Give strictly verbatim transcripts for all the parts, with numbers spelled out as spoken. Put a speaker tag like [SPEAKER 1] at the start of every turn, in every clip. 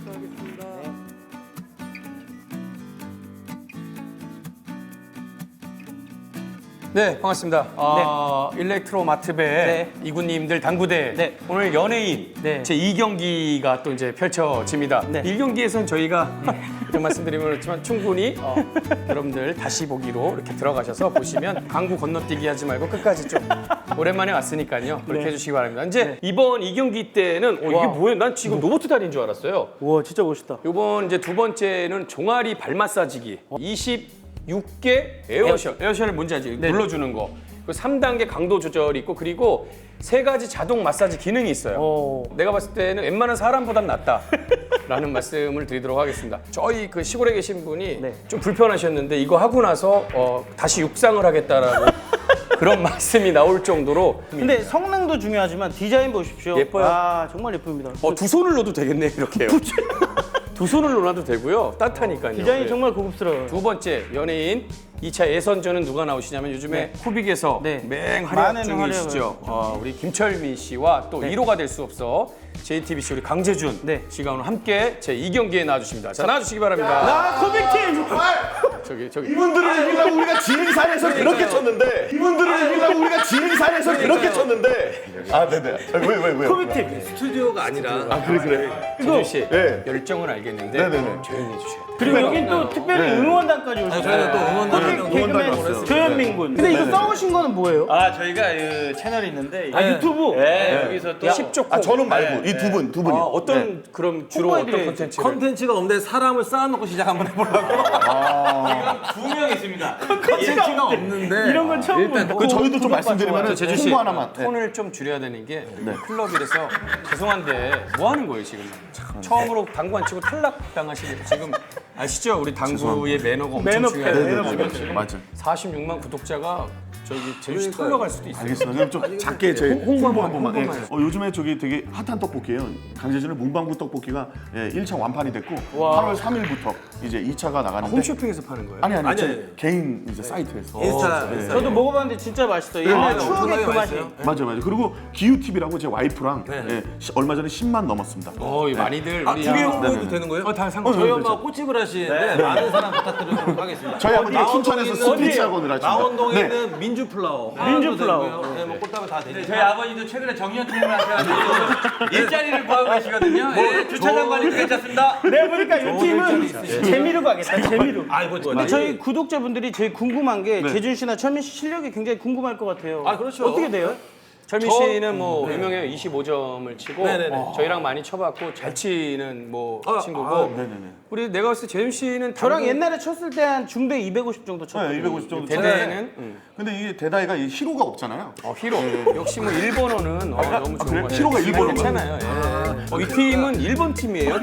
[SPEAKER 1] 수고하겠습니다. 네.
[SPEAKER 2] 네, 반갑습니다. 어, 일렉트로 마트배
[SPEAKER 1] 네.
[SPEAKER 2] 이구님들 당구대
[SPEAKER 1] 네.
[SPEAKER 2] 오늘 연예인
[SPEAKER 1] 네.
[SPEAKER 2] 제이 경기가 또 이제 펼쳐집니다.
[SPEAKER 1] 네.
[SPEAKER 2] 일 경기에서는 저희가 이런 말씀드리면 그렇지만 충분히 어, 여러분들 다시 보기로 이렇게 들어가셔서 보시면 강구 건너뛰기 하지 말고 끝까지 좀 오랜만에 왔으니까요. 그렇게
[SPEAKER 1] 네.
[SPEAKER 2] 해주시기 바랍니다. 이제
[SPEAKER 1] 네.
[SPEAKER 2] 이번 이 경기 때는 어, 이게
[SPEAKER 1] 와.
[SPEAKER 2] 뭐예요? 난 지금 로봇 다리인 줄 알았어요.
[SPEAKER 1] 우와 진짜 멋있다.
[SPEAKER 2] 이번 이제 두 번째는 종아리 발 마사지기 이십육 개 에어셜. 에어셜 뭔지 알지?
[SPEAKER 1] 네네.
[SPEAKER 2] 눌러주는 거. 그 삼 단계 강도 조절이 있고 그리고 세 가지 자동 마사지 기능이 있어요.
[SPEAKER 1] 오.
[SPEAKER 2] 내가 봤을 때는 웬만한 사람보단 낫다. 라는 말씀을 드리도록 하겠습니다. 저희 그 시골에 계신 분이
[SPEAKER 1] 네.
[SPEAKER 2] 좀 불편하셨는데 이거 하고 나서 어, 다시 육상을 하겠다라고 그런 말씀이 나올 정도로
[SPEAKER 1] 근데 성능도 중요하지만 디자인 보십시오.
[SPEAKER 2] 예뻐요.
[SPEAKER 1] 아 정말 예쁩니다.
[SPEAKER 2] 어, 두 손을 넣어도 되겠네 이렇게요. 두 손을 넣어도 되고요. 따뜻하니까요.
[SPEAKER 1] 디자인이
[SPEAKER 2] 네.
[SPEAKER 1] 정말 고급스러워요.
[SPEAKER 2] 두 번째 연예인 이 차 예선전은 누가 나오시냐면 요즘에 쿠빅에서
[SPEAKER 1] 네.
[SPEAKER 2] 맹 활약
[SPEAKER 1] 많은
[SPEAKER 2] 중이시죠. 어, 우리 김철민 씨와 또 일 호가 될 수 없어 제이티비씨 우리 강재준
[SPEAKER 1] 네.
[SPEAKER 2] 씨가 오늘 함께 제 이 경기에 나와주십니다. 자 나와주시기 바랍니다.
[SPEAKER 1] 아 코빅팀!
[SPEAKER 2] 저기 저기
[SPEAKER 3] 이분들을 이기려고 우리가 지능산에서 그렇게 쳤는데 이분들을 이기려고 우리가 지능산에서 그렇게 쳤는데 아 네네 왜 왜 왜
[SPEAKER 1] 코빅팀!
[SPEAKER 2] 스튜디오가 아니라
[SPEAKER 3] 아 그래 그래
[SPEAKER 2] 재준 씨
[SPEAKER 3] 네.
[SPEAKER 2] 열정은 알겠는데
[SPEAKER 3] 네네네.
[SPEAKER 2] 조용히 해주셔야 돼요.
[SPEAKER 1] 그리고 여긴 또 특별히 응원단까지 오셨어요.
[SPEAKER 4] 저희가 또 응원단을
[SPEAKER 1] 코빅 개그맨
[SPEAKER 3] 응원단이 왔어요.
[SPEAKER 1] 조현민 군. 근데 이거 써오신 거는 뭐예요?
[SPEAKER 4] 아 저희가 그 채널이 있는데
[SPEAKER 1] 아 유튜브?
[SPEAKER 4] 네, 여기서 또
[SPEAKER 2] 십 조
[SPEAKER 3] 아 저는 말고 이 두 분 두 분이
[SPEAKER 2] 아, 어떤 그럼 주로 어떤
[SPEAKER 1] 홍보해드려야지.
[SPEAKER 2] 콘텐츠를?
[SPEAKER 4] 컨텐츠가 없는데 사람을 쌓아놓고 시작 한번 해보려고. 지금 두 명 있습니다. 컨텐츠가 없는데
[SPEAKER 1] 이런 건 처음
[SPEAKER 4] 일단
[SPEAKER 1] 보고.
[SPEAKER 3] 그 저희도 좀 말씀드리면
[SPEAKER 2] 재준 씨
[SPEAKER 3] 홍보 하나만 네.
[SPEAKER 2] 톤을 좀 줄여야 되는 게 클럽이라서 죄송한데 뭐 하는 거예요 지금? 처음으로 당구 안 치고 탈락 당하시는 지금 아시죠? 우리 당구의 매너가 엄청
[SPEAKER 1] 매너
[SPEAKER 2] 중요해요.
[SPEAKER 1] 매너
[SPEAKER 2] 지금 지금
[SPEAKER 3] 맞아
[SPEAKER 2] 사십육만 구독자가 저기 재준 씨 털려갈 수도 있어요.
[SPEAKER 3] 알겠습니다. 그럼 좀 작게 제
[SPEAKER 2] 홍보
[SPEAKER 3] 홍보
[SPEAKER 2] 한번,
[SPEAKER 3] 한 번만. 예.
[SPEAKER 2] 홍보만 해요.
[SPEAKER 3] 어, 요즘에 저기 되게 핫한 떡볶이에요. 강재준의 문방구 떡볶이가 예, 일 차 완판이 됐고 팔월 삼일부터 이제 이 차가 나가는데
[SPEAKER 2] 홈쇼핑에서 파는 거예요?
[SPEAKER 3] 아니 아니,
[SPEAKER 4] 아니,
[SPEAKER 3] 제
[SPEAKER 4] 아니.
[SPEAKER 3] 개인 이제 사이트에서
[SPEAKER 4] 인스타
[SPEAKER 3] 네.
[SPEAKER 1] 저도 먹어봤는데 진짜 맛있어. 옛날 추억의 그 맛이.
[SPEAKER 3] 맞아 맞아. 그리고 기우티비라고 제 와이프랑 예, 시- 얼마 전에 십만 넘었습니다.
[SPEAKER 2] 어, 이 많이들
[SPEAKER 4] 아,
[SPEAKER 2] 우리
[SPEAKER 4] 티비
[SPEAKER 2] 아,
[SPEAKER 4] 홍보해도 되는 거예요?
[SPEAKER 2] 어, 다
[SPEAKER 4] 저희
[SPEAKER 2] 상관없어요.
[SPEAKER 4] 엄마가 꽃집을 하시는데 많은 사랑 부탁드리도록 하겠습니다.
[SPEAKER 3] 저희 아버지
[SPEAKER 4] 망원동에
[SPEAKER 3] 춘천에서
[SPEAKER 4] 있는
[SPEAKER 3] 스피치 학원을 하십니다.
[SPEAKER 4] 망원동에
[SPEAKER 3] 네.
[SPEAKER 4] 있는 민주플라워.
[SPEAKER 1] 민주플라워.
[SPEAKER 4] 네, 뭐 꽃다발 다 되니까. 저희 아버지도 최근에 정년 퇴임을 하셔가지고 일자리를 구하고 계시거든요. 예, 주차장 관리도 괜찮습니다.
[SPEAKER 1] 내가 보니까 이 팀은 재미로 가겠다. 재미로.
[SPEAKER 4] 아, 이거
[SPEAKER 1] 근데 저희 구독자분들이 제일 궁금한 게 재준 씨나 철민 씨 실력이 굉장히 궁금할 것 같아요.
[SPEAKER 4] 아, 그렇죠.
[SPEAKER 1] 어떻게 돼요?
[SPEAKER 2] 철민 씨는 뭐 유명해요. 이십오 점을 치고
[SPEAKER 4] 네네네.
[SPEAKER 2] 저희랑 많이 쳐봤고 잘 치는 뭐
[SPEAKER 4] 아,
[SPEAKER 2] 친구고
[SPEAKER 4] 아,
[SPEAKER 2] 우리 내가 봤을 때 재준 씨는
[SPEAKER 1] 저랑
[SPEAKER 2] 당구
[SPEAKER 1] 옛날에 쳤을 때 한 중대 이백오십 정도 쳤거든요.
[SPEAKER 3] 네, 이백오십 정도.
[SPEAKER 2] 대대는 음.
[SPEAKER 3] 근데 이게 대다이가 이 히로가 없잖아요.
[SPEAKER 2] 어, 히로. 역시 뭐 일본어는 어, 너무 좋은
[SPEAKER 3] 그래?
[SPEAKER 2] 것 같아요.
[SPEAKER 3] 히로가 일본어인가요?
[SPEAKER 2] 괜찮아요. 예. 어, 이 팀은 일본 팀이에요.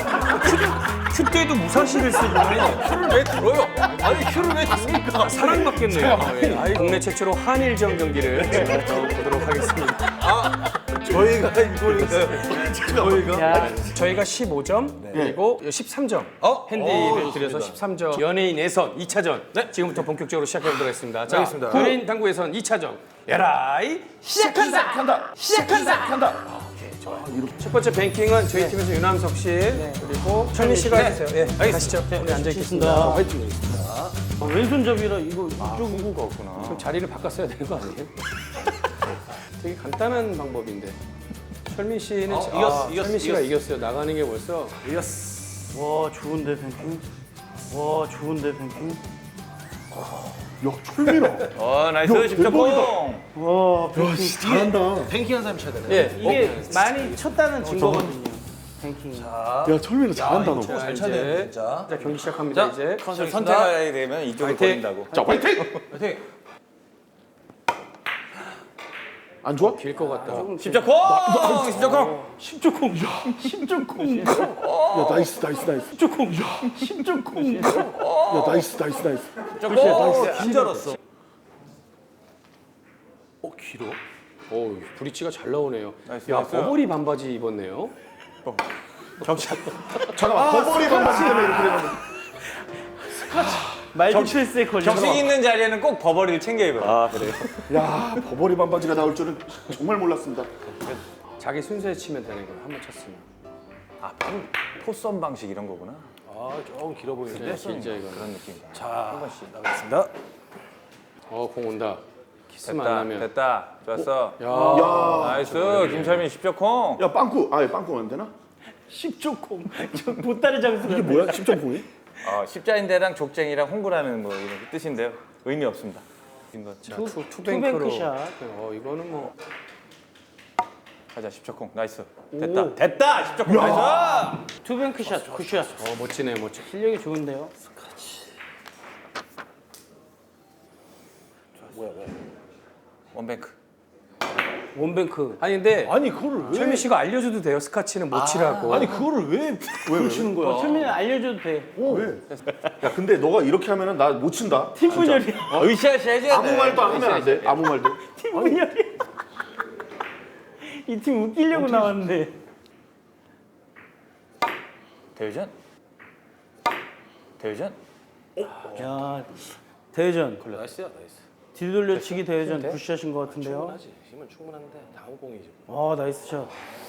[SPEAKER 2] 큐, 큐 때도 무사시를 쓰고
[SPEAKER 4] 큐를 왜 들어요? 아니 큐를 왜 듭니까?
[SPEAKER 2] 사랑받겠네요. 예. 아이, 국내 최초로 한일전 경기를 제가 또 보도록 하겠습니다.
[SPEAKER 4] 저희가 이거니까요. 저희가
[SPEAKER 1] 야,
[SPEAKER 2] 저희가 십오 점 그리고 십삼 점
[SPEAKER 4] 어?
[SPEAKER 2] 핸디를
[SPEAKER 4] 어,
[SPEAKER 2] 드려서
[SPEAKER 4] 좋습니다.
[SPEAKER 2] 십삼 점 연예인 예선 이 차전 지금부터 본격적으로 시작해보도록 하겠습니다. 자,
[SPEAKER 4] 알겠습니다.
[SPEAKER 2] 연예인 당구 예선 이 차전 에라이
[SPEAKER 1] 시작한다.
[SPEAKER 3] 한다.
[SPEAKER 1] 시작한다.
[SPEAKER 3] 한다.
[SPEAKER 2] 첫 번째 뱅킹은 저희 팀에서 윤함석 씨 그리고 철민 씨가 해주세요. 예, 가시죠. 우리 앉아있겠습니다.
[SPEAKER 1] 어, 왼손잡이라 이거 이쪽
[SPEAKER 3] 후구가 없구나.
[SPEAKER 2] 좀 자리를 바꿨어야 되는 거 아니에요? 되게 간단한 방법인데. 철민 씨는
[SPEAKER 4] 어,
[SPEAKER 2] 자-
[SPEAKER 4] 이겼어,
[SPEAKER 2] 아,
[SPEAKER 4] 이겼어,
[SPEAKER 2] 철민 씨가
[SPEAKER 4] 이겼어.
[SPEAKER 2] 이겼어요. 나가는 게 벌써
[SPEAKER 1] 와 좋은데 뱅킹. 와 좋은데 뱅킹.
[SPEAKER 3] 야 철민아.
[SPEAKER 4] 어 나이스
[SPEAKER 3] 야,
[SPEAKER 4] 십점
[SPEAKER 3] 대박이다.
[SPEAKER 4] 공.
[SPEAKER 1] 와 뱅킹.
[SPEAKER 3] 잘한다.
[SPEAKER 4] 뱅킹한 사람이 쳐야 되네.
[SPEAKER 2] 예.
[SPEAKER 1] 이게 많이 쳤다는 증거거든요. 뱅킹.
[SPEAKER 3] 야 철민아 잘한다 너.
[SPEAKER 2] 자,
[SPEAKER 4] 잘
[SPEAKER 2] 이제
[SPEAKER 4] 차네 진짜.
[SPEAKER 2] 자, 경기 시작합니다. 이제
[SPEAKER 4] 선택하게 되면 이쪽을
[SPEAKER 2] 화이팅!
[SPEAKER 4] 버린다고.
[SPEAKER 3] 자 화이팅.
[SPEAKER 4] 화이팅.
[SPEAKER 3] 안 좋아?
[SPEAKER 2] 길 것 같다.
[SPEAKER 4] 십점 공. 십점 공.
[SPEAKER 1] 십조콩. 십조콩.
[SPEAKER 3] 야 나이스 나이스 나이스.
[SPEAKER 1] 십조콩. 십조콩.
[SPEAKER 3] 야 나이스 나이스 나이스.
[SPEAKER 4] 십점 공. 긴 알았어.
[SPEAKER 2] 어, 길어? 오, 브릿지가 잘 나오네요.
[SPEAKER 4] 나이스,
[SPEAKER 2] 야,
[SPEAKER 4] 나이스.
[SPEAKER 2] 버버리 반바지 입었네요.
[SPEAKER 3] 잠깐만 버버리 반바지 때문에 이렇게 되는 거.
[SPEAKER 1] 말디플스에 걸려.
[SPEAKER 4] 격식 있는 자리에는 꼭 버버리를 챙겨 입어요. 아 그래요?
[SPEAKER 3] 야 버버리 반바지가 나올 줄은 정말 몰랐습니다.
[SPEAKER 2] 자기 순서에 치면 되는 거예요. 한 번 쳤으면.
[SPEAKER 5] 아, 포선 방식 이런 거구나.
[SPEAKER 6] 아, 조금 길어 보이는데.
[SPEAKER 2] 진짜 이거.
[SPEAKER 5] 그런 느낌이다.
[SPEAKER 6] 자, 나가겠습니다.
[SPEAKER 2] 어, 공 온다. 키스만 안
[SPEAKER 5] 됐다,
[SPEAKER 2] 하면.
[SPEAKER 5] 됐다. 좋았어.
[SPEAKER 2] 야.
[SPEAKER 5] 나이스, 김철민 십 점 콩.
[SPEAKER 3] 야 빵꾸. 아 빵꾸 안 되나?
[SPEAKER 1] 십조콩. 저 보따리 장수가.
[SPEAKER 3] 이게 뭐야? 십 점 공이?
[SPEAKER 5] 어, 십자인대랑 족쟁이랑 홍구라는 뭐 이런 뜻인데요. 의미 없습니다. 이거
[SPEAKER 2] 자, 투, 투뱅크로.
[SPEAKER 1] 투뱅크샷.
[SPEAKER 2] 어, 이거는 뭐.
[SPEAKER 5] 가자, 십 점 콩. 나이스. 됐다. 됐다. 십 점 콩. 나이스.
[SPEAKER 1] 투뱅크샷, 굿샷.
[SPEAKER 2] 어, 멋지네, 멋지.
[SPEAKER 1] 실력이 좋은데요.
[SPEAKER 5] 원뱅크.
[SPEAKER 1] 원뱅크.
[SPEAKER 2] 아니, 근데.
[SPEAKER 6] 아니, 그거를 왜?
[SPEAKER 2] 철민 씨가 알려줘도 돼요, 스카치는 못 치라고.
[SPEAKER 6] 아니, 그거를 왜, 왜 치는 거야?
[SPEAKER 1] 어, 철민이 알려줘도 돼.
[SPEAKER 3] 왜? 야 근데 너가 이렇게 하면은 나 못 친다.
[SPEAKER 1] 팀 분열이.
[SPEAKER 5] 으쌰으쌰 해줘야 돼.
[SPEAKER 3] 아무 말도 하면 안 돼. 아무 말도.
[SPEAKER 1] 팀 분열이. 이 팀 웃기려고 나왔는데.
[SPEAKER 5] 대회전. 대회전.
[SPEAKER 1] 야, 대회전.
[SPEAKER 6] 나이스야, 나이스.
[SPEAKER 1] 뒤돌려치기 대회전 굿샷인 것 같은데요.
[SPEAKER 6] 충분하지. 힘은 충분한데 다음 공이지.
[SPEAKER 1] 아, 나이스 샷.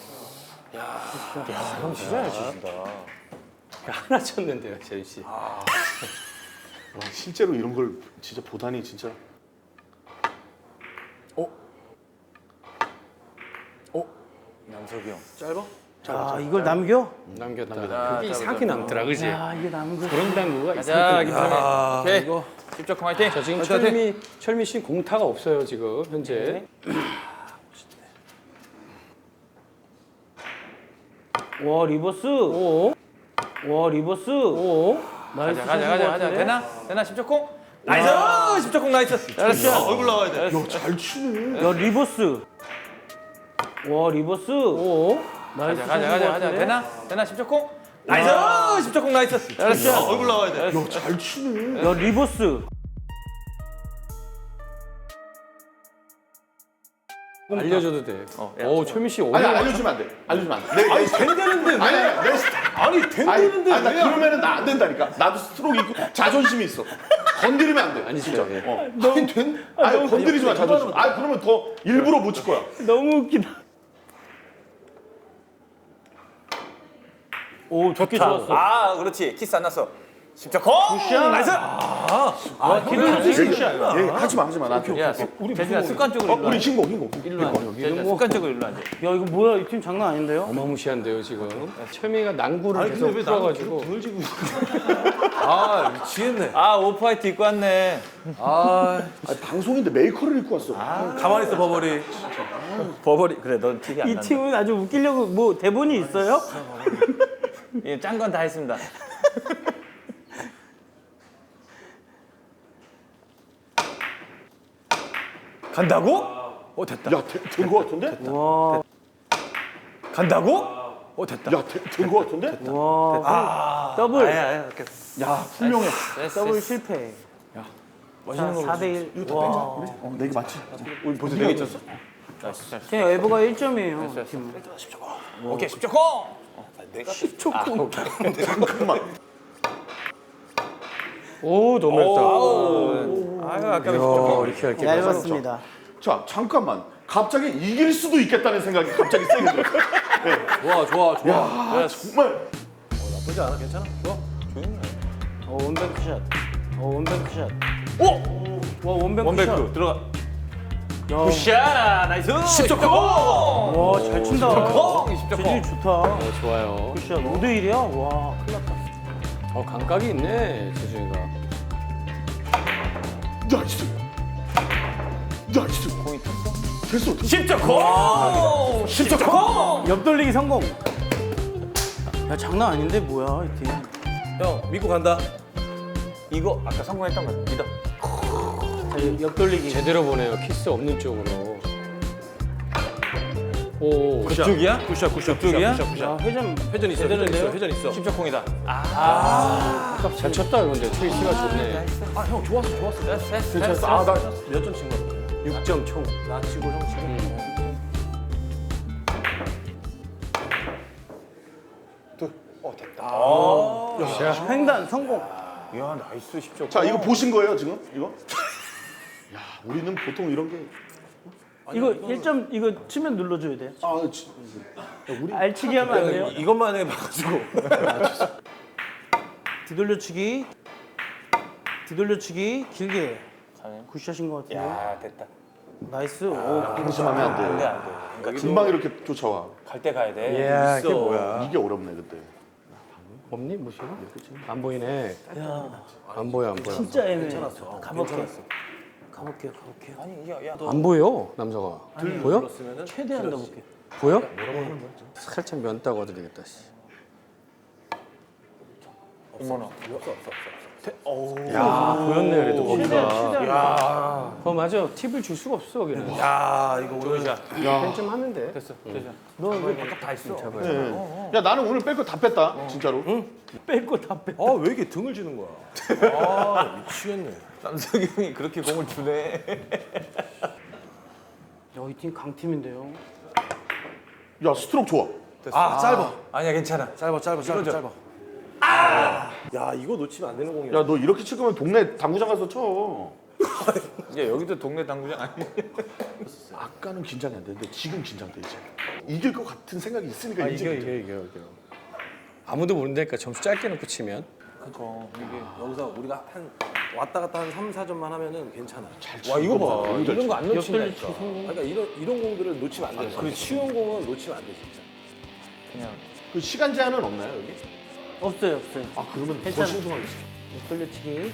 [SPEAKER 5] 형 진짜 잘 치신다.
[SPEAKER 2] 하나 쳤는데요, 재윤 씨.
[SPEAKER 3] 와, 실제로 이런 걸 진짜 보다니 진짜.
[SPEAKER 5] 남석이 형.
[SPEAKER 6] 짧아?
[SPEAKER 1] 아, 이걸 남겨?
[SPEAKER 2] 남겼다. 그게 이상하게 남더라, 그지?
[SPEAKER 1] 야, 이게 남겨.
[SPEAKER 2] 그런 당구가
[SPEAKER 5] 가자,
[SPEAKER 2] 이상하게
[SPEAKER 5] 김철민. 오케이.
[SPEAKER 6] 이거.
[SPEAKER 5] 십 점 콩 화이팅.
[SPEAKER 2] 자, 지금 철미, 철미 씨 공타가 없어요, 지금, 현재.
[SPEAKER 1] 와, 리버스.
[SPEAKER 2] 오,
[SPEAKER 1] 와, 리버스.
[SPEAKER 2] 오.
[SPEAKER 1] 나이스
[SPEAKER 5] 가자, 가자,
[SPEAKER 1] 샷인
[SPEAKER 5] 가자,
[SPEAKER 1] 것
[SPEAKER 5] 가자.
[SPEAKER 1] 같은데?
[SPEAKER 5] 되나? 되나? 십 점 콩. 나이스. 십 점 콩 나이스. 잘했어. 얼굴 나와야 돼.
[SPEAKER 3] 야잘 치네.
[SPEAKER 1] 야, 리버스. 와, 리버스. 오. 나이스
[SPEAKER 5] 가자, 가자,
[SPEAKER 1] 샷인
[SPEAKER 5] 가자,
[SPEAKER 1] 것
[SPEAKER 5] 가자.
[SPEAKER 1] 같은데?
[SPEAKER 5] 되나? 되나? 십 점 콩. 나이스. 십 점 콩 나이스. 잘했어. 얼굴 나와야 돼.
[SPEAKER 3] 야잘 치네.
[SPEAKER 1] 야, 리버스.
[SPEAKER 2] 알려줘도 돼.
[SPEAKER 5] 어,
[SPEAKER 2] 오, 철미 씨
[SPEAKER 3] 아니
[SPEAKER 2] 어려워.
[SPEAKER 3] 알려주면 안 돼. 알려주면 안 돼. 내,
[SPEAKER 6] 아니, 된다는데 왜?
[SPEAKER 3] 아니 내 스타.
[SPEAKER 6] 아니,
[SPEAKER 3] 아니,
[SPEAKER 6] 된다는데
[SPEAKER 3] 아니 나
[SPEAKER 6] 왜?
[SPEAKER 3] 그러면은 나 안 된다니까. 나도 스트로크 있고 자존심이 있어. 건드리면 안 돼.
[SPEAKER 2] 아니,
[SPEAKER 3] 진짜.
[SPEAKER 2] 진짜, 예.
[SPEAKER 3] 어. 아니 된? 아니 건드리지 마 자존심. 아 그러면 더 일부러 못 칠 거야.
[SPEAKER 1] 너무 웃기다. 오, 좋게 좋았어.
[SPEAKER 5] 아, 그렇지. 키스 안 났어. 십 점 콩. 나이스.
[SPEAKER 1] 와, 기름이 굿샷.
[SPEAKER 3] 얘 하지 마 하지 마 나한테.
[SPEAKER 5] 야, 우리 재준아 습관적으로
[SPEAKER 3] 어,
[SPEAKER 5] 일로
[SPEAKER 3] 우리
[SPEAKER 5] 앉아.
[SPEAKER 3] 신고 신고.
[SPEAKER 5] 일로 앉아. 재준아 습관적으로 일로 앉아.
[SPEAKER 1] 야, 이거 뭐야? 이 팀 장난 아닌데요?
[SPEAKER 2] 어마무시한데요, 지금. 철미가 난구를
[SPEAKER 6] 아니,
[SPEAKER 2] 계속
[SPEAKER 6] 근데 왜 나는
[SPEAKER 2] 풀어가지고.
[SPEAKER 6] 등을 지고 있어? 아, 미치겠네.
[SPEAKER 5] 아, 오프화이트 입고 왔네.
[SPEAKER 6] 아,
[SPEAKER 3] 아 방송인데 메이커를 입고 왔어.
[SPEAKER 6] 가만히 있어, 버버리.
[SPEAKER 5] 버버리. 그래, 넌 티비 안
[SPEAKER 1] 이
[SPEAKER 5] 난다.
[SPEAKER 1] 팀은 아주 웃기려고 뭐 대본이 있어요?
[SPEAKER 5] 예, 짠 건 다 했습니다. 간다고? 어, 됐다.
[SPEAKER 3] 야된 거 같은데?
[SPEAKER 1] 와,
[SPEAKER 5] 간다고? 어, 됐다.
[SPEAKER 3] 야된 거 같은데?
[SPEAKER 1] 와,
[SPEAKER 5] 아,
[SPEAKER 1] 더블.
[SPEAKER 5] 아야, 아야, 오케이.
[SPEAKER 3] 야 분명해.
[SPEAKER 1] 더블 실패. 자, 사 대 일. 와,
[SPEAKER 3] 어 내게 맞지?
[SPEAKER 5] 우리 벌써 네개 쳤어? 나이스, 잘.
[SPEAKER 1] 그냥 에버가 일 점이에요. 팀은.
[SPEAKER 5] 오케이, 십 점 콩.
[SPEAKER 3] 잠깐만.
[SPEAKER 2] 오, 너무 얇다.
[SPEAKER 5] 아유, 아까 십 점
[SPEAKER 2] 야,
[SPEAKER 5] 콩.
[SPEAKER 2] 이렇게 얇게.
[SPEAKER 1] 얇았습니다.
[SPEAKER 3] 자 잠깐만. 갑자기 이길 수도 있겠다는 생각이 갑자기 세게 들었어.
[SPEAKER 6] 좋아, 좋아, 좋아.
[SPEAKER 3] 야 정말.
[SPEAKER 6] 나쁘지 않아, 괜찮아? 좋아.
[SPEAKER 1] 어, 원뱅크 샷. 어, 원뱅크 샷. 오! 와, 원뱅크,
[SPEAKER 5] 원백크 들어가.
[SPEAKER 1] 샷.
[SPEAKER 5] 굿샷, 나이스. 십 점 콩.
[SPEAKER 1] 와, 잘 친다.
[SPEAKER 5] 콩, 십 점
[SPEAKER 1] 재질이
[SPEAKER 5] 콩.
[SPEAKER 1] 좋다.
[SPEAKER 2] 어, 좋아요.
[SPEAKER 1] 굿샷 오 대 일이야? 와, 큰일 났다.
[SPEAKER 2] 어, 감각이 있네, 재준이가.
[SPEAKER 3] 나이스. 나이스.
[SPEAKER 5] 공이 탔어?
[SPEAKER 3] 됐어. 됐어.
[SPEAKER 5] 십 점 콩. 십 점 콩.
[SPEAKER 1] 옆돌리기 성공. 야, 장난 아닌데 뭐야, 이 팀.
[SPEAKER 6] 형, 믿고 간다.
[SPEAKER 5] 이거 아까 성공했던 거 믿어.
[SPEAKER 1] 자, 옆돌리기.
[SPEAKER 2] 제대로 보내요, 키스 없는 쪽으로. 오,
[SPEAKER 5] 그쪽이야?
[SPEAKER 6] 굿샷, 굿샷,
[SPEAKER 5] 그쪽이야?
[SPEAKER 6] 굿샷, 굿샷.
[SPEAKER 1] 야, 회전
[SPEAKER 6] 회전 있어, 회전 있어, 회전 있어.
[SPEAKER 5] 십 점 콩이다.
[SPEAKER 2] 잘 쳤다, 그런데. 트위스가 좋네.
[SPEAKER 6] 아, 형, 좋았어, 좋았어.
[SPEAKER 5] 됐어, 됐어,
[SPEAKER 3] 됐어. 아나
[SPEAKER 6] 몇 점 친 거야?
[SPEAKER 2] 육 점 총.
[SPEAKER 6] 나 치고 형 치고.
[SPEAKER 1] 횡단 성공.
[SPEAKER 5] 야, 나이스 십 점.
[SPEAKER 3] 자 이거 보신 거예요 지금? 이거? 야 우리는 보통 이런 게
[SPEAKER 1] 이거 일 점 이거 치면 눌러줘야 돼.
[SPEAKER 3] 아, 지,
[SPEAKER 1] 알치기 하면 안 돼요.
[SPEAKER 6] 이것만 해봐가지고.
[SPEAKER 1] 뒤돌려치기. 뒤돌려치기 길게.
[SPEAKER 5] 가네.
[SPEAKER 1] 굿샷인 것 같은데.
[SPEAKER 5] 야 됐다.
[SPEAKER 1] 나이스. 오.
[SPEAKER 3] 방심하면 안
[SPEAKER 5] 안돼
[SPEAKER 3] 돼.
[SPEAKER 5] 안돼. 그러니까
[SPEAKER 3] 금방 이렇게 쫓아와.
[SPEAKER 5] 갈 때 가야 돼.
[SPEAKER 2] 이야 이게 뭐야?
[SPEAKER 3] 이게 어렵네 그때.
[SPEAKER 2] 없니 무시가? 안 보이네.
[SPEAKER 1] 야,
[SPEAKER 2] 안 보여 안 보여.
[SPEAKER 1] 진짜 애매해. 가볼게. 가볼게요, 가볼게요.
[SPEAKER 5] 아니 이게 야
[SPEAKER 2] 안 보여 남자가. 보여?
[SPEAKER 6] 그랬으면은
[SPEAKER 1] 최대한 넣어볼게.
[SPEAKER 2] 보여? 살짝 면 따고 드리겠다. 씨.
[SPEAKER 5] 어머나.
[SPEAKER 2] 야 보였네 그래도
[SPEAKER 1] 최대한,
[SPEAKER 2] 거기가.
[SPEAKER 1] 최대한.
[SPEAKER 2] 야. 어 맞아. 팁을 줄 수가 없어 거기는.
[SPEAKER 6] 야 이거 오늘
[SPEAKER 2] 좀 하면 돼.
[SPEAKER 5] 됐어 됐어.
[SPEAKER 1] 너왜 바깥 다 있어?
[SPEAKER 3] 네. 야 나는 오늘 뺄 거 다 뺐다. 진짜로.
[SPEAKER 1] 뺄거 다 뺐.
[SPEAKER 6] 아왜 이렇게 등을 지는 거야? 아 미치겠네.
[SPEAKER 5] 남석이 형이 그렇게 공을 주네.
[SPEAKER 1] 야, 이 팀 강팀인데요.
[SPEAKER 3] 야 스트로크 좋아.
[SPEAKER 6] 아 짧아.
[SPEAKER 5] 아니야 괜찮아.
[SPEAKER 6] 짧아 짧아 짧아
[SPEAKER 5] 이거죠?
[SPEAKER 6] 짧아. 아. 야 이거 놓치면 안 되는 공이야.
[SPEAKER 3] 야 너 이렇게 칠 거면 동네 당구장 가서 쳐.
[SPEAKER 5] 이제 여기도 동네 당구장 아니야?
[SPEAKER 3] 아까는 긴장이 안 되는데 지금 긴장돼 이제. 이길 것 같은 생각이 있으니까
[SPEAKER 2] 아
[SPEAKER 3] 이제
[SPEAKER 2] 이겨 이겨 이겨 이겨. 아무도 모른다니까 점수 짧게 놓고 치면.
[SPEAKER 5] 그거 이게.
[SPEAKER 6] 여기서 우리가 한 왔다 갔다 한 삼, 사 점만 하면은 괜찮아.
[SPEAKER 5] 와 이거 봐. 이런 거 안 놓친다니까.
[SPEAKER 6] 그러니까 이런 이런 공들을 놓치면 안 돼. 그 쉬운 공은 놓치면 안 돼 진짜.
[SPEAKER 5] 그냥.
[SPEAKER 3] 그 시간 제한은 없나요 여기?
[SPEAKER 1] 없어요, 없어요.
[SPEAKER 3] 아 그러면 더
[SPEAKER 1] 괜찮아.
[SPEAKER 3] 신중하겠어.
[SPEAKER 1] 돌려치기.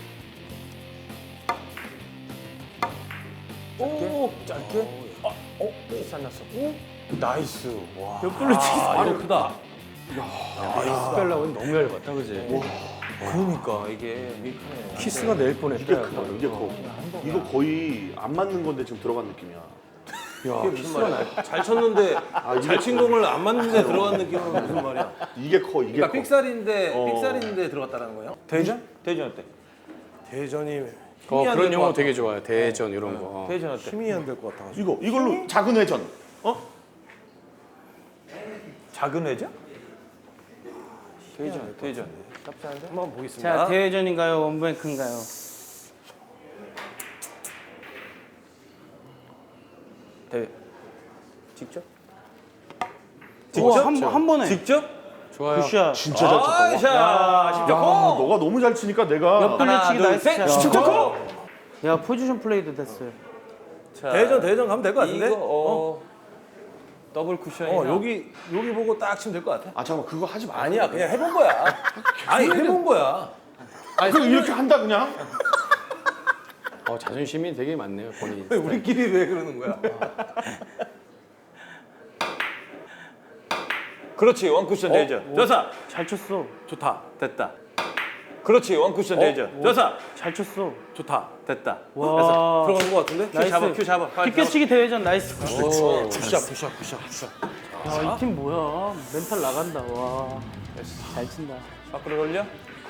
[SPEAKER 5] 오 짧게. 아, 어 키스 안 났어. 나이스. 와.
[SPEAKER 1] 옆돌려치기.
[SPEAKER 6] 아 이거 크다.
[SPEAKER 2] 스펠라고 너무 얇았다 그지?
[SPEAKER 5] 그러니까 이게 미크네.
[SPEAKER 2] 키스가 내일 뻔했다.
[SPEAKER 3] 이게 크다 이게 커. 이거 거의 안 맞는 건데 지금 들어간 느낌이야.
[SPEAKER 2] 야 키스가 나.
[SPEAKER 6] 잘 쳤는데
[SPEAKER 3] 이게
[SPEAKER 6] 잘 친 공을 안 맞는데 들어간 느낌은 무슨 말이야?
[SPEAKER 3] 이게 커 이게
[SPEAKER 6] 그러니까
[SPEAKER 3] 커.
[SPEAKER 6] 픽살인데
[SPEAKER 3] 어.
[SPEAKER 6] 픽살인데 들어갔다는 거예요?
[SPEAKER 5] 대전? 대전 어때?
[SPEAKER 6] 대전이
[SPEAKER 2] 어
[SPEAKER 6] 힘이 안
[SPEAKER 2] 그런
[SPEAKER 6] 될
[SPEAKER 2] 용어
[SPEAKER 6] 것
[SPEAKER 2] 되게 좋아요. 대전 이런 거. 어.
[SPEAKER 5] 대전 어때?
[SPEAKER 6] 힘이 안 될 것 같아가지고.
[SPEAKER 3] 이거 이걸로 작은 회전. 어?
[SPEAKER 5] 작은 회전? 대전 대전.
[SPEAKER 6] 한번 보겠습니다.
[SPEAKER 1] 자, 대회전인가요? 원뱅크인가요?
[SPEAKER 5] 대. 직접?
[SPEAKER 1] 우와, 한, 한 번에.
[SPEAKER 5] 직접?
[SPEAKER 2] 좋아요.
[SPEAKER 1] 굿샷.
[SPEAKER 3] 진짜 잘 쳤다.
[SPEAKER 5] 아이샤.
[SPEAKER 3] 야,
[SPEAKER 5] 십자 공.
[SPEAKER 3] 너가 너무 잘 치니까 내가
[SPEAKER 1] 옆돌려치기
[SPEAKER 5] 둘,
[SPEAKER 1] 나이스
[SPEAKER 5] 셋.
[SPEAKER 1] 샷.
[SPEAKER 5] 십자 공.
[SPEAKER 1] 야, 포지션 플레이도 됐어요.
[SPEAKER 5] 자,
[SPEAKER 6] 대전 대전 가면 될 것 같은데?
[SPEAKER 5] 이거 어. 더블 쿠션이나.
[SPEAKER 6] 어 여기 여기 보고 딱 치면 될 것 같아.
[SPEAKER 3] 아 잠깐 그거 하지 마.
[SPEAKER 6] 아니야 그냥 해본 거야. 아니 해본 거야.
[SPEAKER 3] 아니 그럼 이렇게 한다 그냥.
[SPEAKER 2] 어 자존심이 되게 많네요 본인.
[SPEAKER 6] 왜 우리끼리 왜 그러는 거야?
[SPEAKER 5] 그렇지 원 쿠션 대전. 저사.
[SPEAKER 1] 잘 쳤어.
[SPEAKER 6] 좋다.
[SPEAKER 5] 됐다. 그렇지 원 쿠션 대전. 저사.
[SPEAKER 1] 잘 쳤어.
[SPEAKER 6] 좋다.
[SPEAKER 5] 됐다.
[SPEAKER 1] 와.
[SPEAKER 6] 들어간 것 같은데?
[SPEAKER 1] 나이스.
[SPEAKER 5] 잡아 큐 잡아. 빨리 잡아.
[SPEAKER 1] 비껴치기 대회전 나이스.
[SPEAKER 6] 오, 푸샷 푸샷 푸샷 푸샷.
[SPEAKER 1] 야, 이 팀 뭐야? 멘탈 나간다. 와. 잘 친다.
[SPEAKER 5] 밖으로 돌려.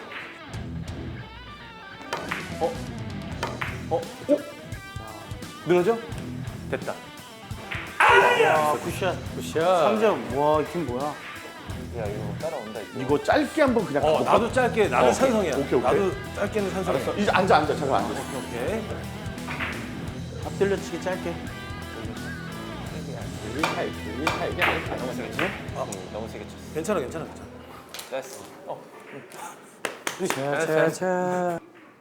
[SPEAKER 5] 어? 어? 오? 늘어져? 됐다.
[SPEAKER 1] 야, 굿샷.
[SPEAKER 2] 굿샷.
[SPEAKER 1] 삼 점. 와, 이 팀 뭐야?
[SPEAKER 5] 야 이거 따라온다 이거.
[SPEAKER 3] 이거 짧게 한번 그냥
[SPEAKER 6] 어
[SPEAKER 3] 가볼까?
[SPEAKER 6] 나도 짧게 나도
[SPEAKER 3] 어,
[SPEAKER 6] 찬성이야.
[SPEAKER 3] 오케이, 오케이.
[SPEAKER 6] 나도 짧게는 찬성이야.
[SPEAKER 3] 이제 앉아 앉아 잠깐 앉아.
[SPEAKER 6] 오케이.
[SPEAKER 1] 앞돌려치기 짧게.
[SPEAKER 5] 너무 세게 쳤어? 어, 너무 세게 쳤어.
[SPEAKER 6] 괜찮아 괜찮아 괜찮아.
[SPEAKER 5] 됐어. 어.
[SPEAKER 2] 자자자.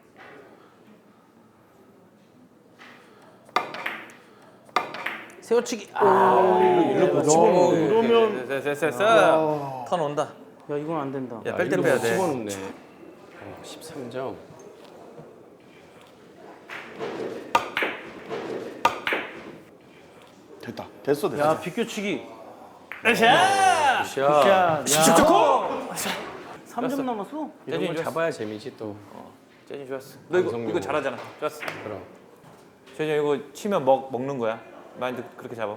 [SPEAKER 1] 세워치기. 아,
[SPEAKER 3] 그러면
[SPEAKER 5] 됐어 됐어 됐어. 턴 온다.
[SPEAKER 1] 야, 이건 안 된다.
[SPEAKER 5] 야 뺄 때 빼야 돼.
[SPEAKER 2] 집어넣네. 어, 십삼 점.
[SPEAKER 3] 됐다. 됐어 됐어.
[SPEAKER 1] 야, 비껴치기.
[SPEAKER 2] 굿샷.
[SPEAKER 1] 굿샷. 야. 삼 점 남았어?
[SPEAKER 2] 이런 걸 잡아야 재미지 또.
[SPEAKER 5] 재진 좋았어. 너 이거
[SPEAKER 2] 방송용으로.
[SPEAKER 5] 이거 잘하잖아. 좋았어.
[SPEAKER 2] 그럼.
[SPEAKER 5] 재진 이거 치면 먹 먹는 거야. 마인드 그렇게 잡아.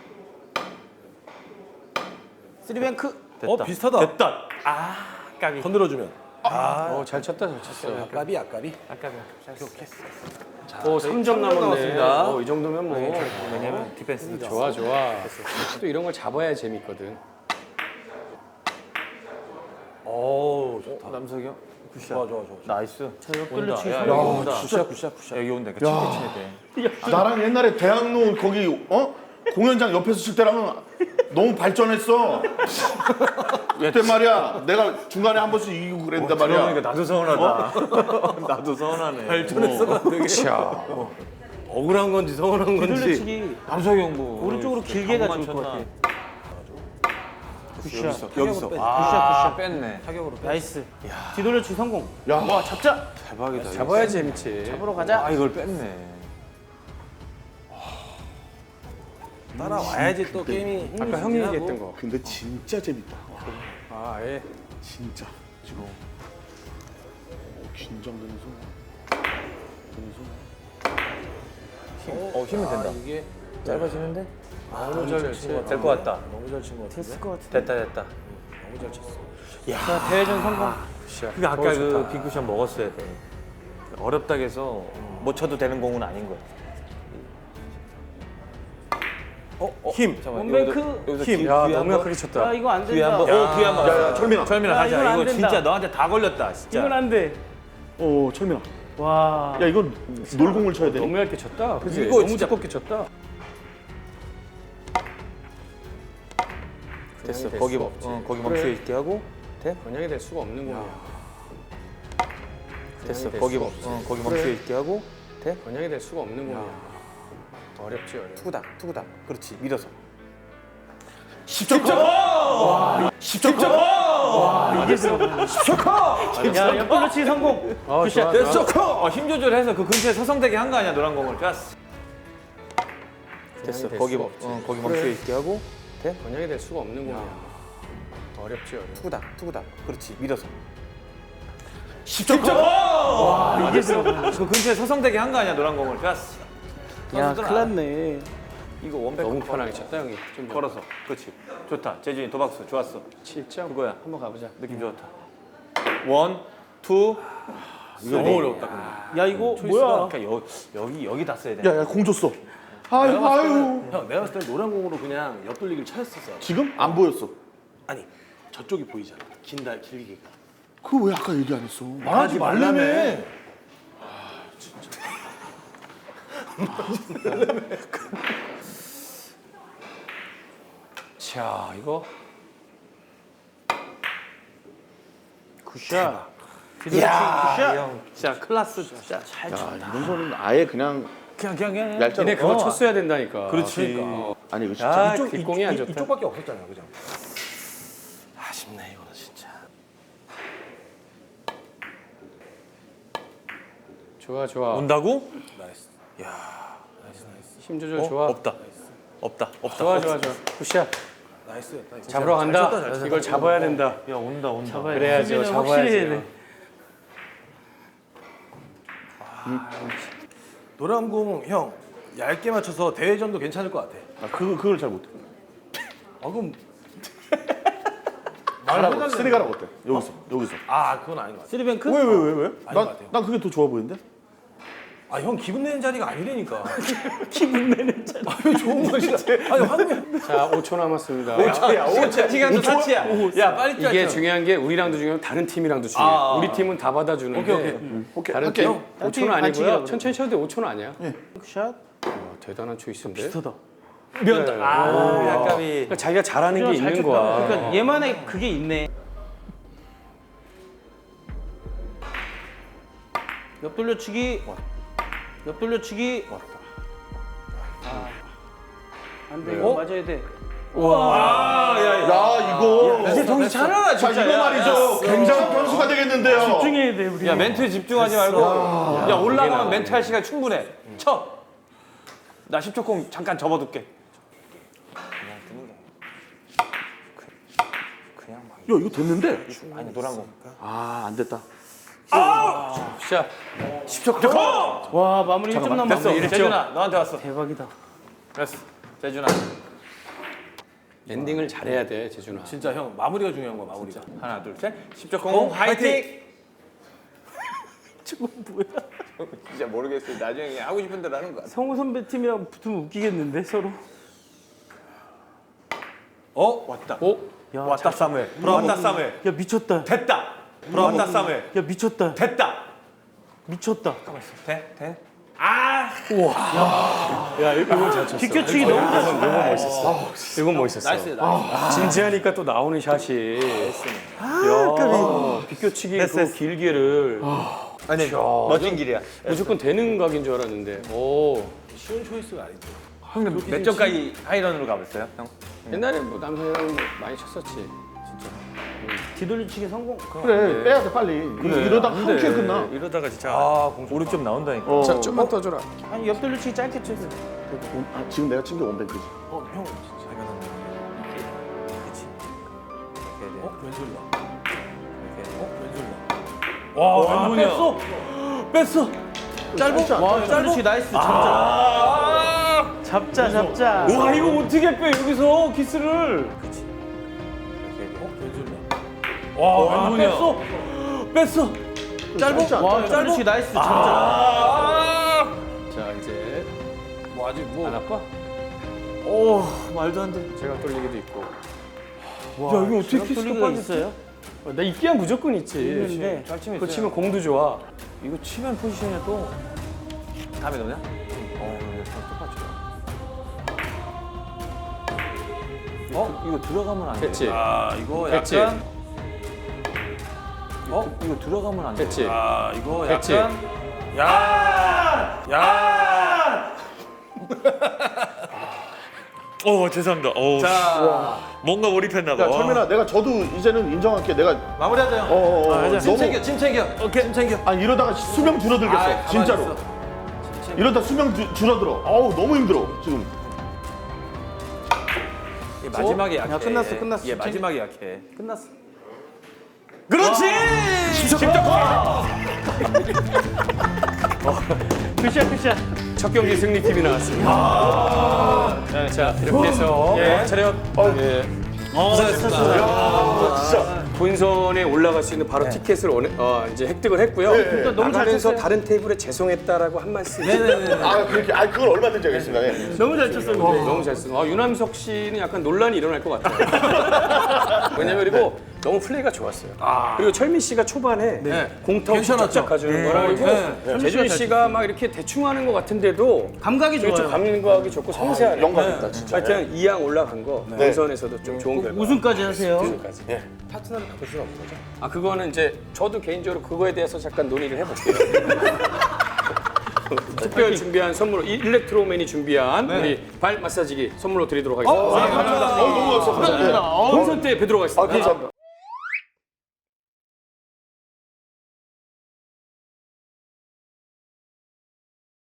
[SPEAKER 1] 쓰리뱅크.
[SPEAKER 5] 됐다.
[SPEAKER 6] 어 비슷하다.
[SPEAKER 5] 됐다. 아 까비.
[SPEAKER 6] 건드려주면.
[SPEAKER 2] 어, 잘 쳤다 잘 쳤어.
[SPEAKER 6] 아까비 아까비.
[SPEAKER 5] 아까비.
[SPEAKER 2] 오, 삼 점 남았네.
[SPEAKER 6] 남았습니다.
[SPEAKER 2] 어, 이 정도면 뭐.
[SPEAKER 5] 왜냐면 디펜스
[SPEAKER 2] 좋아 좋아. 또 이런 걸 잡아야 재밌거든.
[SPEAKER 6] 오 좋다.
[SPEAKER 5] 남석이 형. 굿샷.
[SPEAKER 6] 좋아 좋아 좋아.
[SPEAKER 5] 나이스.
[SPEAKER 1] 자, 옆돌려 치기
[SPEAKER 5] 야,
[SPEAKER 1] 성공.
[SPEAKER 5] 여기 온다.
[SPEAKER 6] 굿샷 굿샷 굿샷.
[SPEAKER 5] 여기 온다. 그러니까 칠대 쳐야 돼.
[SPEAKER 3] 나랑 옛날에 대학로 거기 어 공연장 옆에서 칠 때랑은 너무 발전했어. 그때 말이야 내가 중간에 한 번씩 이기고 그랬단 말이야.
[SPEAKER 5] 그러니까 나도 서운하다. 나도 서운하네.
[SPEAKER 6] 발전했어 되게.
[SPEAKER 2] 자,
[SPEAKER 6] 억울한 건지 서운한 건지.
[SPEAKER 1] 뒤돌려치기
[SPEAKER 5] 남석이 형 뭐.
[SPEAKER 1] 오른쪽으로 길게 가 좋을 것 같아. 굿샷.
[SPEAKER 5] 여기서.
[SPEAKER 1] 굿샷
[SPEAKER 5] 아,
[SPEAKER 1] 굿샷.
[SPEAKER 5] 뺐네.
[SPEAKER 1] 나이스. 뒤돌려치기 성공.
[SPEAKER 3] 야,
[SPEAKER 1] 와 잡자.
[SPEAKER 5] 대박이다.
[SPEAKER 2] 잡아야지 재밌지.
[SPEAKER 1] 잡으러 가자.
[SPEAKER 5] 아, 이걸 뺐네.
[SPEAKER 6] 따라와야지 또 게임이.
[SPEAKER 2] 아까 형이 얘기했던 거.
[SPEAKER 3] 근데 진짜 재밌다.
[SPEAKER 2] 아, 예.
[SPEAKER 3] 진짜 지금 어, 긴장되는 순간. 되는 순간.
[SPEAKER 5] 어, 힘이 된다.
[SPEAKER 6] 이게
[SPEAKER 5] 짧아지는데?
[SPEAKER 2] 너무 잘 쳤지.
[SPEAKER 5] 될 것 같다.
[SPEAKER 6] 너무 잘 친 것 같은데.
[SPEAKER 1] 됐을 것 같은데.
[SPEAKER 5] 됐다, 됐다.
[SPEAKER 6] 너무 잘 쳤어.
[SPEAKER 1] 자 대회전 성공.
[SPEAKER 5] 그게 아까 그 빅쿠션 먹었어야 돼. 어렵다고 해서 못 쳐도 되는 공은 아닌 거야. 어, 어, 힘. 잠깐만.
[SPEAKER 1] 원뱅크.
[SPEAKER 5] 여기서, 여기서
[SPEAKER 2] 힘.
[SPEAKER 5] 귀,
[SPEAKER 2] 야,
[SPEAKER 5] 귀
[SPEAKER 2] 너무
[SPEAKER 5] 한 번.
[SPEAKER 2] 약하게 쳤다.
[SPEAKER 1] 야 이거 안
[SPEAKER 5] 귀 한
[SPEAKER 1] 된다.
[SPEAKER 5] 번. 오, 귀 한 번.
[SPEAKER 3] 야, 야, 철민아.
[SPEAKER 5] 철민아
[SPEAKER 1] 야,
[SPEAKER 5] 가자.
[SPEAKER 1] 이건 안
[SPEAKER 5] 이거
[SPEAKER 1] 된다.
[SPEAKER 5] 진짜 너한테 다 걸렸다, 진짜.
[SPEAKER 1] 이건 안 돼.
[SPEAKER 3] 어, 철민아.
[SPEAKER 1] 와.
[SPEAKER 3] 야, 이건 놀공을 쳐야 돼.
[SPEAKER 2] 너무 얇게 쳤다. 그지?
[SPEAKER 5] 이거
[SPEAKER 2] 너무
[SPEAKER 5] 진짜-
[SPEAKER 2] 두껍게 쳤다.
[SPEAKER 5] 됐어.
[SPEAKER 2] 됐어.
[SPEAKER 5] 거기 멈, 어, 거기 멈춰 있게 하고. 돼?
[SPEAKER 2] 번역이 될 수가 없는 공이야.
[SPEAKER 5] 됐어.
[SPEAKER 2] 됐어.
[SPEAKER 5] 거기 멈, 어, 거기 멈춰 있게 하고. 돼?
[SPEAKER 2] 번역이 될 수가 없는 공이야. 어렵지, 어려워.
[SPEAKER 5] 투구다, 투구다. 그렇지. 밀어서.
[SPEAKER 1] 야 옆돌려치기 성공.
[SPEAKER 2] 아,
[SPEAKER 1] 굿샷.
[SPEAKER 2] 좋아,
[SPEAKER 5] 됐어.
[SPEAKER 2] 좋아.
[SPEAKER 5] 어, 힘 조절해서 그 근처에 서성대게 한 거 아니야, 노란 공을. 좋았어. 됐어.
[SPEAKER 2] 될
[SPEAKER 5] 거기
[SPEAKER 2] 수가
[SPEAKER 5] 멈,
[SPEAKER 2] 없지.
[SPEAKER 5] 어, 거기 멈춰 있게 하고. 돼?
[SPEAKER 2] 번역이 될 수가 없는 공이야. 어렵지, 어려워.
[SPEAKER 5] 투구다, 투구다. 그렇지. 밀어서.
[SPEAKER 1] 이게 들어가.
[SPEAKER 5] 그 근처에 서성대게 한 거 아니야, 노란 공을. 좋았어.
[SPEAKER 1] 야
[SPEAKER 5] 선수들
[SPEAKER 1] 큰일 났네.
[SPEAKER 5] 이거 원백
[SPEAKER 2] 너무 편하게 쳤다, 형이. 좀
[SPEAKER 5] 걸어서. 그렇지. 좋다. 재준이 도박수 좋았어.
[SPEAKER 2] 칠 점.
[SPEAKER 5] 그거야.
[SPEAKER 2] 한번 가보자.
[SPEAKER 5] 느낌 좋다. 원, 투.
[SPEAKER 6] 이거 너무 어렵다 근데.
[SPEAKER 1] 야 이거 뭐야?
[SPEAKER 5] 그러니까 여, 여기 여기 다 써야 돼.
[SPEAKER 3] 야, 야, 공 줬어. 아유, 아유.
[SPEAKER 6] 형 내가 봤을 때 노란 공으로 그냥 옆돌리기를 쳤었어.
[SPEAKER 3] 지금 안 보였어.
[SPEAKER 6] 아니 저쪽이 보이잖아. 긴다 길기가.
[SPEAKER 3] 그거 왜 아까 얘기 안 했어?
[SPEAKER 6] 말하지 말라며.
[SPEAKER 2] 자, 이거.
[SPEAKER 1] 굿샷. 뒤돌려치기 굿샷.
[SPEAKER 5] 진짜 클라스 진짜 잘
[SPEAKER 3] 야, 이런 거는 아예 그냥
[SPEAKER 5] 그냥 그냥 그냥.
[SPEAKER 3] 얄짤
[SPEAKER 2] 니네 그거
[SPEAKER 3] 없어.
[SPEAKER 2] 쳤어야 된다니까.
[SPEAKER 5] 그렇지.
[SPEAKER 3] 아니, 이거 진짜.
[SPEAKER 2] 아, 뒷공이 안 좋다.
[SPEAKER 6] 이쪽밖에 없었잖아, 그죠? 아쉽네 이거는 진짜.
[SPEAKER 2] 좋아, 좋아.
[SPEAKER 5] 온다고?
[SPEAKER 6] 나이스.
[SPEAKER 2] 힘 조절 좋아.
[SPEAKER 5] 없다. 없다. 없다.
[SPEAKER 2] 좋아, 좋아, 좋아. 굿샷.
[SPEAKER 6] 나이스였다. 이거.
[SPEAKER 2] 잡으러
[SPEAKER 6] 잘
[SPEAKER 2] 간다.
[SPEAKER 6] 쳤다, 잘 쳤다.
[SPEAKER 2] 이걸 잡아야 된다.
[SPEAKER 5] 야 온다 온다.
[SPEAKER 1] 잡아야 돼.
[SPEAKER 2] 그래야죠.
[SPEAKER 1] 수비는 확실히 해야
[SPEAKER 2] 잡아야지.
[SPEAKER 1] 돼.
[SPEAKER 6] 노란 공 형 얇게 맞춰서 대회전도 괜찮을 것 같아.
[SPEAKER 3] 아, 그거, 그걸 잘 못해.
[SPEAKER 6] 아 그럼
[SPEAKER 3] 가라고. 쓰리 가라고 어때? 여기서, 여기서.
[SPEAKER 6] 아 그건 아닌 것 같아.
[SPEAKER 1] 쓰리뱅크?
[SPEAKER 3] 왜, 왜, 왜, 왜?
[SPEAKER 6] 것
[SPEAKER 3] 난,
[SPEAKER 6] 같아요.
[SPEAKER 3] 난 그게 더 좋아 보이는데?
[SPEAKER 6] 아 형 기분 내는 자리가 아니라니까. 기분 내는 자리. 아왜 좋은 것이야? 아니 황금.
[SPEAKER 2] 자, 오 초 남았습니다.
[SPEAKER 5] 야 오차 시간도 사치야. 야 빨리 뛰어.
[SPEAKER 2] 이게 중요한 게 우리랑도 중요하고 다른 팀이랑도 중요해.
[SPEAKER 5] 아, 아,
[SPEAKER 2] 우리 팀은 다 받아주는데
[SPEAKER 6] 오케이, 오케이.
[SPEAKER 2] 음.
[SPEAKER 3] 오케이,
[SPEAKER 2] 다른
[SPEAKER 3] 할게.
[SPEAKER 2] 팀
[SPEAKER 3] 형,
[SPEAKER 2] 오 초는
[SPEAKER 1] 팀
[SPEAKER 2] 아니고요.
[SPEAKER 1] 반칙이라고
[SPEAKER 2] 천천히 쳐도 돼. 오 초는 아니야.
[SPEAKER 1] 굿샷.
[SPEAKER 2] 와, 대단한 초이스인데.
[SPEAKER 1] 비슷하다.
[SPEAKER 5] 면다. 아 약간이.
[SPEAKER 2] 그러니까 자기가 잘하는 게
[SPEAKER 1] 잘
[SPEAKER 2] 있는
[SPEAKER 1] 쳤다.
[SPEAKER 2] 거야.
[SPEAKER 1] 그러니까 얘만의 그게 있네. 옆돌려치기. 옆돌려치기. 아, 안 돼. 이거 맞아야 돼.
[SPEAKER 3] 야, 이거.
[SPEAKER 5] 이제 정신 차려라
[SPEAKER 3] 자,
[SPEAKER 5] 진짜.
[SPEAKER 3] 이거 말이죠. 굉장한 변수가 되겠는데요.
[SPEAKER 1] 집중해야 돼 우리.
[SPEAKER 5] 야 멘트에 집중하지 말고. 야 올라가면 멘트 할 시간 충분해. 쳐. 나 십 초 공 잠깐 접어둘게.
[SPEAKER 3] 야, 이거 됐는데?
[SPEAKER 5] 아니 노란 공.
[SPEAKER 3] 아, 안 됐다.
[SPEAKER 2] 자,
[SPEAKER 5] 십 초 공.
[SPEAKER 1] 와 마무리 일 점 남았어.
[SPEAKER 5] 됐어. 재준아 너한테 왔어.
[SPEAKER 1] 대박이다.
[SPEAKER 5] 됐어. 재준아.
[SPEAKER 2] 랜딩을 잘해야 돼, 재준아.
[SPEAKER 6] 진짜 형 마무리가 중요한 거야 마무리가.
[SPEAKER 5] 하나 둘 셋. 십 초 공 화이팅.
[SPEAKER 1] 저거 뭐야?
[SPEAKER 5] 진짜 모르겠어요. 나중에 그냥 하고 싶은 대로 하는 거야.
[SPEAKER 1] 성우 선배 팀이랑 붙으면 웃기겠는데 서로.
[SPEAKER 5] 어 왔다.
[SPEAKER 2] 오,
[SPEAKER 1] 야,
[SPEAKER 5] 왔다 사무엘. 왔다 사무엘.
[SPEAKER 1] 야 미쳤다.
[SPEAKER 5] 됐다. 브라보 쌈에
[SPEAKER 1] 야 미쳤다.
[SPEAKER 5] 됐다.
[SPEAKER 1] 미쳤다.
[SPEAKER 5] 돼? 돼?
[SPEAKER 2] 야 이건 잘 쳤어.
[SPEAKER 1] 비껴치기 너무 잘했어.
[SPEAKER 2] 이건 멋있었어. 이건 멋있었어.
[SPEAKER 5] 나이스 나이스.
[SPEAKER 2] 진지하니까 또 나오는 샷이. 야, 비껴치기 그 길게를
[SPEAKER 5] 아니 멋진 길이야.
[SPEAKER 2] 무조건 되는 각인 줄 알았는데. 오.
[SPEAKER 6] 쉬운 초이스가 아니죠.
[SPEAKER 5] 형님 몇 점까지 하이런으로 가봤어요? 형?
[SPEAKER 2] 옛날에 뭐 남성이랑 많이 쳤었지.
[SPEAKER 1] 뒤돌리치기 성공.
[SPEAKER 3] 그래 빼야 돼 빨리. 이러다 한 큐에 끝나.
[SPEAKER 6] 이러다가 진짜 아, 오륙 좀 나온다니까.
[SPEAKER 3] 어.
[SPEAKER 2] 자, 좀만 떠줘라.
[SPEAKER 1] 아니 옆돌리치기 짧게 쳐.
[SPEAKER 3] 아, 지금 내가 친 게 원뱅크지.
[SPEAKER 6] 어, 형 진짜 잘하는 이게 그치. 어, 왼손이다. 어, 왼손이다.
[SPEAKER 5] 와 왼손이야.
[SPEAKER 1] 뺐어. 짧아. 와 옆돌리치기 나이스. 잡자. 잡자 잡자.
[SPEAKER 5] 와 이거 어떻게 빼 여기서 키스를?
[SPEAKER 6] 어, 왼손이다.
[SPEAKER 5] 와 왼손이야.
[SPEAKER 1] 뺐어. 짧아. 와 옆돌리치기 나이스. 잡자.
[SPEAKER 2] 자, 이제
[SPEAKER 6] 뭐 아직 뭐
[SPEAKER 2] 안 아파?
[SPEAKER 1] 오 말도 안 돼.
[SPEAKER 2] 제가 돌리기도 있고.
[SPEAKER 1] 야 이거 어떻게 키스가 있어요?
[SPEAKER 2] 어, 나 있기야 무조건 있지.
[SPEAKER 1] 있는데
[SPEAKER 5] 잘 치면
[SPEAKER 2] 그거
[SPEAKER 5] 있어요.
[SPEAKER 2] 치면 공도 좋아.
[SPEAKER 5] 이거 치면 포지션이 또 다음에 넣냐? 어 이거 똑같죠. 어 이거 들어가면 안 돼.
[SPEAKER 2] 됐지?
[SPEAKER 6] 아, 이거
[SPEAKER 2] 됐지?
[SPEAKER 6] 약간
[SPEAKER 5] 어 이거 들어가면 안 돼.
[SPEAKER 2] 됐지?
[SPEAKER 6] 아, 이거
[SPEAKER 2] 됐지?
[SPEAKER 6] 약간 야! 야! 어, 죄송합니다. 어. 자, 뭔가 몰입했나 봐.
[SPEAKER 3] 야 철민아 내가 저도 이제는 인정할게. 내가
[SPEAKER 5] 마무리하자 형.
[SPEAKER 3] 어어 어,
[SPEAKER 5] 아, 침
[SPEAKER 3] 너무
[SPEAKER 5] 챙겨 침 챙겨. 오케이 침 챙겨.
[SPEAKER 3] 아 이러다가 수명 줄어들겠어.
[SPEAKER 5] 아, 가만히
[SPEAKER 3] 진짜로.
[SPEAKER 5] 있어.
[SPEAKER 3] 이러다 수명 주- 줄어들어. 어우 너무 힘들어 지금.
[SPEAKER 5] 얘 마지막에 약해.
[SPEAKER 1] 야, 끝났어, 끝났어.
[SPEAKER 5] 얘 마지막에 약해.
[SPEAKER 1] 끝났어.
[SPEAKER 5] 그렇지.
[SPEAKER 1] 굿샷 굿샷.
[SPEAKER 2] 첫 경기 승리팀이 나왔습니다. 네, 자, 이렇게 해서 차렷. 예. 본선에 올라갈 수 있는 바로 티켓을 원, 어, 이제 획득을 했고요.
[SPEAKER 1] 너무 잘
[SPEAKER 2] 나가면서
[SPEAKER 1] 쳤어요.
[SPEAKER 2] 다른 테이블에 죄송했다라고 한 말씀.
[SPEAKER 3] 아 그렇게 아 그걸 얼마든지 하겠습니다. 예.
[SPEAKER 1] 너무 잘 쳤어. 근데.
[SPEAKER 2] 너무 잘 쓰고. 아, 유남석 씨는 약간 논란이 일어날 것 같아요. 왜냐면 그리고 너무 플레이가 좋았어요. 그리고 철민 씨가 초반에 공타고 쫙쫙 가주는 거라 그리고 재준 씨가 막 이렇게 대충 하는 것 같은데도
[SPEAKER 1] 감각이
[SPEAKER 2] 되게 좀
[SPEAKER 1] 좋아요.
[SPEAKER 2] 감각이 좋고 섬세하네.
[SPEAKER 3] 영광입니다 진짜.
[SPEAKER 2] 하여튼 이 양 올라간 거 본선에서도 좀 좋은 결과.
[SPEAKER 1] 우승까지 하세요.
[SPEAKER 2] 우승까지. 파트너를 바꿀 수는 없는 거죠? 아 그거는 이제 저도 개인적으로 그거에 대해서 잠깐 논의를 해볼게요. 특별 준비한 선물 일렉트로맨이 준비한 우리 발 마사지기 선물로 드리도록 하겠습니다.
[SPEAKER 3] 어 너무 감사합니다.
[SPEAKER 2] 본선 때 뵙도록 하겠습니다.
[SPEAKER 3] 감사합니다.